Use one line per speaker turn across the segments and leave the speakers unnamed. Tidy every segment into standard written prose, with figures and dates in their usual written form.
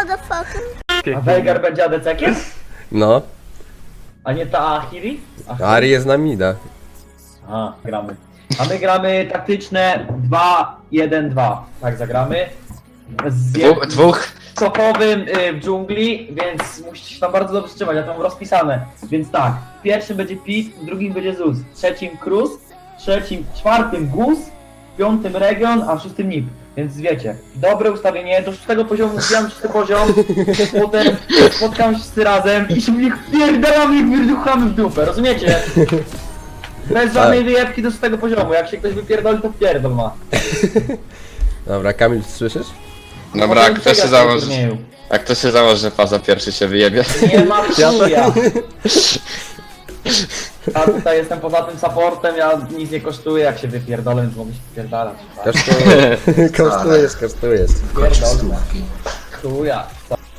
motherfucker.
A Veigar będzie ADC-kiem?
No,
A nie ta Ahiri?
Ari jest na mida.
A, gramy. A my gramy taktyczne 2-1-2. Tak zagramy. Z
Dwóch.
Sochowym w dżungli, więc musicie się tam bardzo dobrze trzymać, ja to mam rozpisane. Więc tak, w pierwszym będzie Pit, w drugim będzie Zeus, w trzecim Cruz, w czwartym Gus, w piątym Region, a w szóstym Nip. Więc wiecie, dobre ustawienie, do szóstego poziomu wbijam szósty poziom, potem spotkam się wszyscy razem i się w nich wpierdalamy i wyrzuchamy w dupę, rozumiecie? Bez żadnej wyjebki do szóstego poziomu, jak się ktoś wypierdoli, to wpierdol ma.
Dobra, Kamil, słyszysz?
Dobra,
Potem
jak to się
przegrać w tym
założy,
turnieju.
jak to się założy, że faza pierwszy się wyjebie.
Nie ma chuja. Ja tutaj jestem poza tym supportem, ja nic nie kosztuję, jak się wypierdolę, więc mogę się wypierdalać.
Kosztujesz.
Pierdolę. Chuja.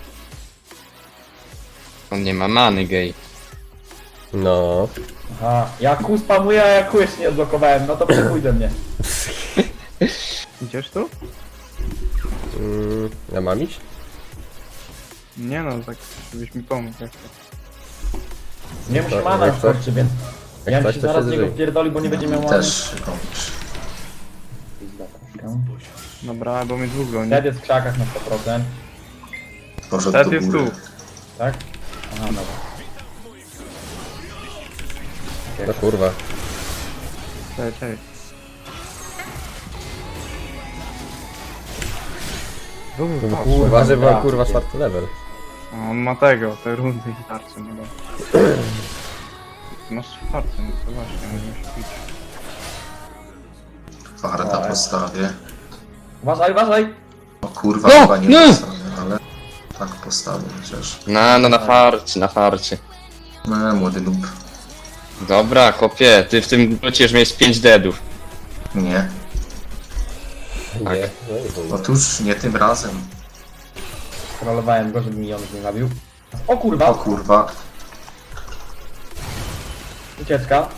On nie ma many, gej.
No.
Aha, ja kół spamuję, a ja kół jeszcze nie odblokowałem, no to przepójdę mnie.
Idziesz tu?
Ja mam iść?
Nie no, tak żebyś mi pomógł. Jak to.
Nie musi
Tak,
mana
jak coś-
wskoczy, więc
jak
ja
coś,
się
to
zaraz
się
z niego
zżyj.
wpierdoli, bo nie będzie miał mana.
Też robisz.
Dobra, bo mnie dwóch goni.
Ted jest w krzakach na 100%,
Poszedł
Ted
do
jest
góry.
tu.
tak? Aha, dobra.
No kurwa.
Cześć.
Uważaj, bo
dobra.
kurwa 4 level.
A on ma tego, te rundy i tarcze, no dobra. Masz czwarty, no to właśnie, możemy się pić.
Warta postawię.
Uważaj!
O kurwa, chyba nie postawię, ale tak postawię chociaż.
No, na farcie.
No, młody lub.
Dobra, chłopie, ty w tym bocie już miałeś 5 deadów.
Nie.
Tak.
Nie. No i chuj.
Otóż nie tym razem.
Trollowałem go, żeby mi on nie zabił. O
O
kurwa!
kurwa.
Ucieczka.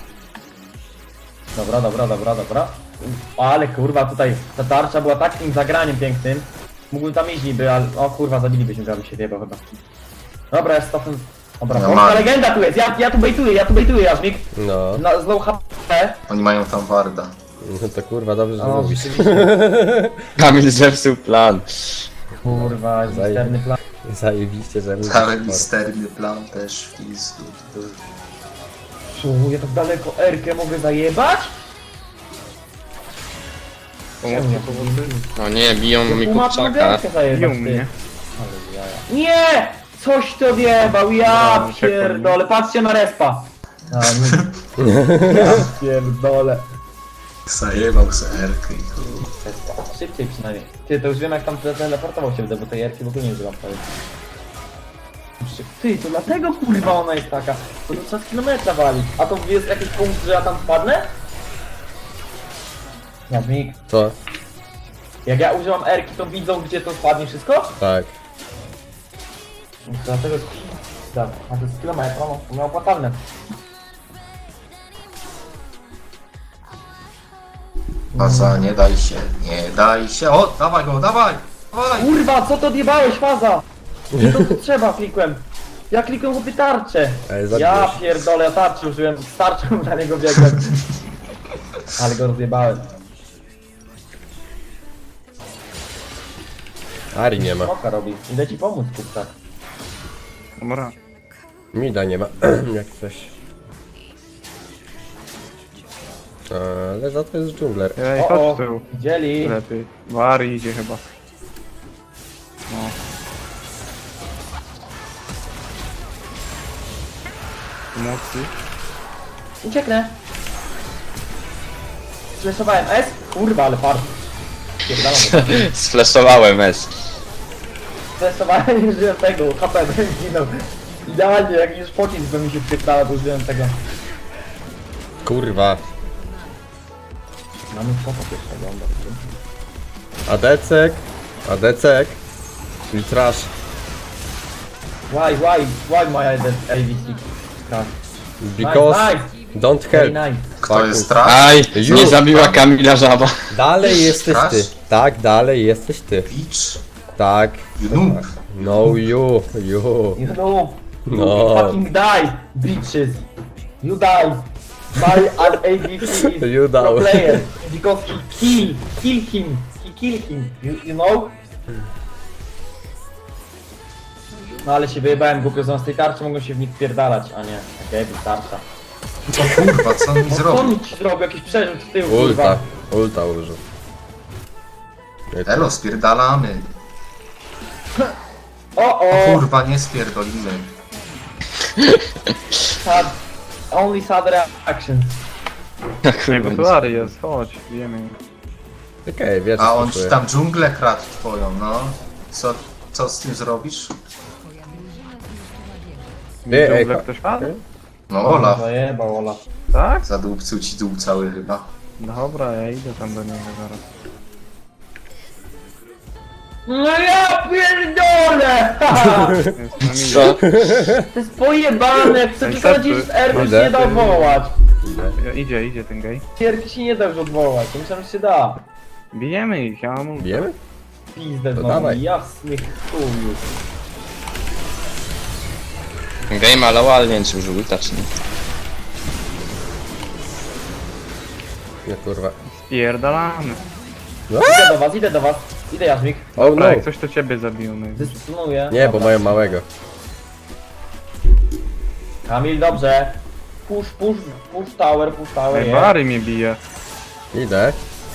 Dobra. Ale kurwa, tutaj ta tarcza była takim zagraniem pięknym. Mógłbym tam iść niby, ale... O kurwa, zabilibyśmy go, aby się wjebał chyba. Dobra, jest stopem... Dobra,
Ja
polska
mam.
legenda tu jest, ja tu bejtuję, Jażmik.
No.
Z low HP.
Oni mają tam Warda.
No to kurwa, dobrze, że
O,
mówisz.
Kamil zepsuł plan.
Kurwa, jest misterny plan.
Zajebiście, że mówisz.
Cały misterny plan też w pizdu.
Ja tak daleko Erkę mogę zajebać?
Pomocy.
No nie, biją mi
Tłumacz mogę
kurczaka.
Erkę zajebać,
Biją
ty.
mnie.
Ale jaja. Nie! Coś to wjebał, ja
No,
pierdolę, patrzcie na respa. A, nie. Ja pierdolę.
Zajebał se Erkę i kurwa.
Szybciej przynajmniej. Ty, to już wiem jak tam teleportował się, bo tej Erki w ogóle nie używam prawie. Ty, to dlatego kurwa ona jest taka, bo to trzeba z kilometra walić. A to jest jakiś punkt, że ja tam wpadnę? Jadmik,
Co?
jak ja używam Erki, to widzą gdzie to spadnie wszystko?
Tak.
No to dlatego jest... Dobra, a to jest z kilometra, no, to miał opłacalne.
Faza, nie daj się, nie daj się. O, dawaj go, dawaj! Dawaj!
Kurwa, co to odjebałeś, faza? Nie to trzeba klikłem. Ja klikłem chłopie tarczę.
Ej, zabijesz.
Ja pierdolę, ja tarczę użyłem, z tarczą na niego biegłem. Ale go rozjebałem.
Ari nie ma.
Smoka robi. Idę ci pomóc, kurczak.
Dobra.
Mida nie ma. Jak coś. Ale za to jest dżungler.
Ej,
O,
chodź tu.
widzieli.
Lepiej. Wari idzie chyba. No. Pomocy.
Ucieknę. Stresowałem S. Kurwa, ale fart. Pierdalam.
Sfleszowałem S.
Stresowałem i użyłem tego, HP bym zginął. Idealnie, jak już pocisk by mi się wpierdala, to użyłem tego.
Kurwa.
Mamy spoko pierwszego,
Adecek. Adecek. Czyli trash.
Why my AVC? Tak.
Because don't
Very
help.
nice.
Kto jest trash?
Aj,
Już.
nie zabiła Kamila żaba.
Dalej jesteś
Trash?
ty. Tak, dalej jesteś ty.
Beach?
Tak.
You noob.
No you.
You know, you
No.
fucking die, bitches. You die. My ADC is
You
pro
die.
player because he kill him. He kill him. You know? No ale się wyjebałem głupio, z tej tarczy mogą się w nich wpierdalać, a nie. Okej, tarcza.
O kurwa, co on mi
No co
zrobił?
on ci zrobił? Jakiś przerzut w tył,
Ulta.
kurwa.
Ulta użył.
Elo, spierdalamy.
O,
O
o!
kurwa, nie spierdolimy.
Sad, only sad reactions.
Nie, bo tu Ary jest, chodź, wiemy.
Okej, wiesz,
A on ci tam dżunglę kradł twoją, no. Co z tym zrobisz?
Ej,
Dżunglę
ej,
ktoś padł?
No Olaf.
Zajebał Olaf.
Tak?
Zadupcył ci dół cały chyba.
Dobra, ja idę tam do niego zaraz.
No ja pierdolę!
Jest na midzie.
Co?
To jest pojebane, jak sobie
Ej,
chodzisz z
serce.
Erby się
Idę.
nie da odwołać.
Idzie ten gej.
Erki się nie da już odwołać, to myślałem, że się da.
Bijemy ich, ja mam ulta.
Bijemy?
Pizdę
To
znowu,
dawaj.
jasny chuju.
Game ale ale nie wiem czy już ulta czy nie.
Nie kurwa.
Spierdalamy.
Idę do was, idę Jaśmik.
Oh no.
Dobra, jak coś to ciebie zabił, no.
Dystynuję.
Nie, bo mają małego.
Kamil, dobrze. Push tower,
Ej,
yeah.
Bary mnie bije.
Idę.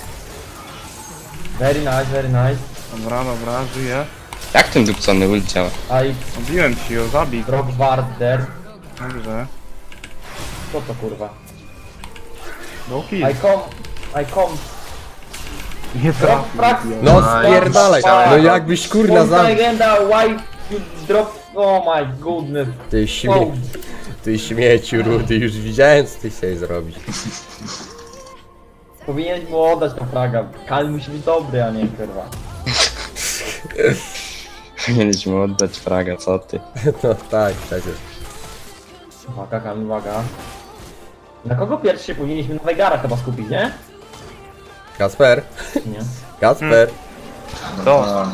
Very nice, very nice.
Dobra, żyję.
Jak ten dupcony ult działa?
I
Obiłem ci ją, zabij.
drop ward there.
Dobrze.
Co to kurwa?
No kill.
I come.
Nie
Drop frag.
trafił.
No
Aj,
spierdalaj.
chciałem.
No jakbyś kurna
Kurna
za...
legenda, why you drop... Oh my goodness.
Ty Ty śmieciu rudy, już widziałem co ty chciałeś zrobić.
Powinieneś mu oddać tą fraga. Kal musi być dobry, a nie kurwa.
Powinieneś mu oddać fraga, co ty?
No tak, przecież.
Uwaga, Kal, uwaga. Na kogo pierwszy się powinniśmy na Vegara chyba skupić, nie?
Kasper,
Nie.
Kasper.
To.
No,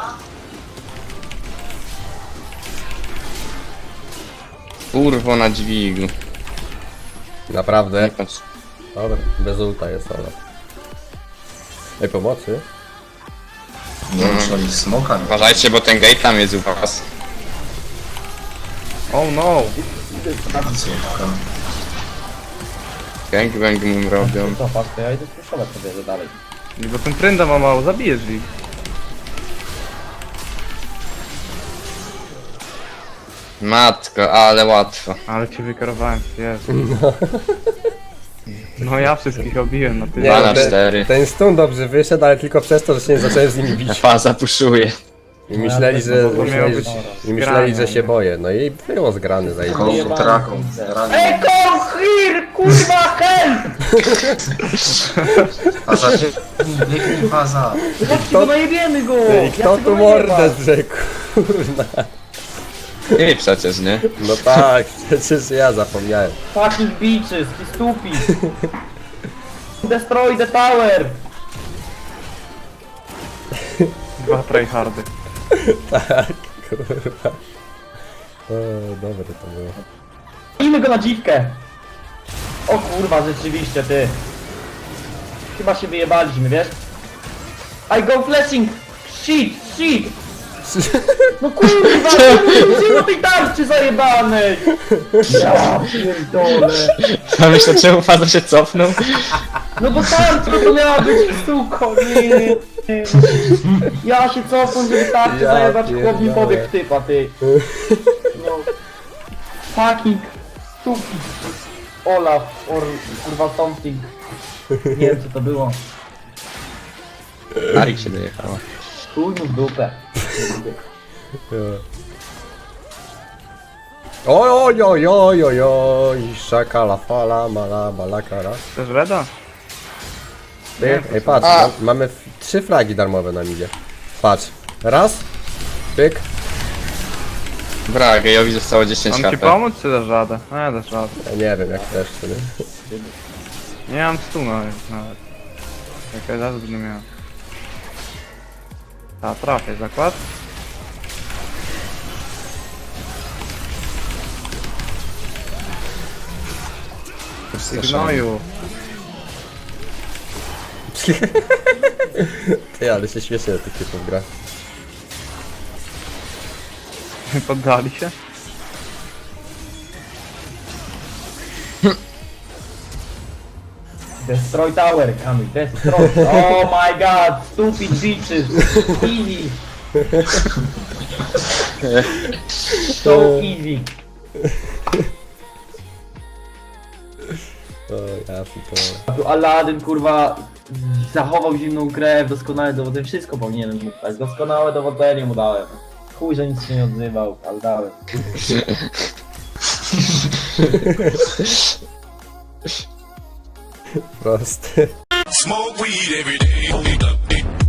Kurwo na dźwigu.
Naprawdę.
Nie patrz.
Dobra, bez ulta jest Olaf. Ej, pomocy?
nie wiem, czy oni smoka nie.
Uważajcie, bo ten gate tam jest u was.
Oh no.
Słówka.
Gangbang mu robią.
Co, patrz, to ja idę spuszować sobie że dalej.
Nie, bo ten pręda ma mało, zabijesz ich.
Matko, ale łatwo.
Ale cię wykarowałem, Jezu. No ja wszystkich obiłem na tyle.
Dwa na
ten-
4.
Ten stun dobrze wyszedł, ale tylko przez to, że się nie zacząłem z nimi bić.
Faza puszuje.
I myśleli, że,
To miało być
że się boję. No i było zgrane za
Koło
Jebany
traką.
pizdę. Ej, come here, kurwa, help!
Faza, biegnij faza.
Chodźcie, go najebiemy go!
Ej,
Ja
kto
chcę
tu
go
mordę
najebać.
zrzekł? Kurna.
Ty przecież, nie?
No tak, przecież ja zapomniałem.
Fucking bitches, he stupid! Destroy the tower!
2 tryhardy.
Kurwa. O, dobre to było.
Ijmy go na dziwkę! O kurwa, rzeczywiście, ty. Chyba się wyjebaliśmy, wiesz? I go flashing! Shit! No kurwa, co do tej tarczy zajebanej! Ja pierdolę!
A myślę, czemu Faza się cofnął?
No bo tarcza to miała być suko, nie. Ja się cofam, żeby tarczę
Ja
zajebać, chłop mi
pierdolę.
pobiegł typa, ty. No. Fucking stupid. Olaf, or kurwa something. Nie wiem co to było.
Arik się dojechała.
Chuj mu w dupę.
Oj, oj, oj, oj, oj, szakala, fala, mala, balakara.
Chcesz reda?
Pyk, ej, patrz, mamy 3 flagi darmowe na midzie. Patrz, raz, pyk,
Bra, gejowi zostało 10
Mam ci
HP.
pomóc, czy dasz radę? Nie, dasz radę.
ja nie wiem jak też, czy nie.
Nie mam stuna nawet. Czekaj, zaraz będę miał. Ta, trafię, zakład. Gnoju.
Ty, ale się śmieszę do tych typów gra.
Poddali się?
Destroy tower, Kamil, destroy. Oh my god, stupid bitches. Easy. So easy.
O, ja to...
A tu Aladdin, kurwa, zachował zimną krew, doskonałe dowodzenie, wszystko powinienem mu dać. Doskonałe dowodzenie mu dałem. Chuj, że nic się nie odzywał, ale dałem.
Prosty.
Smoke weed every day.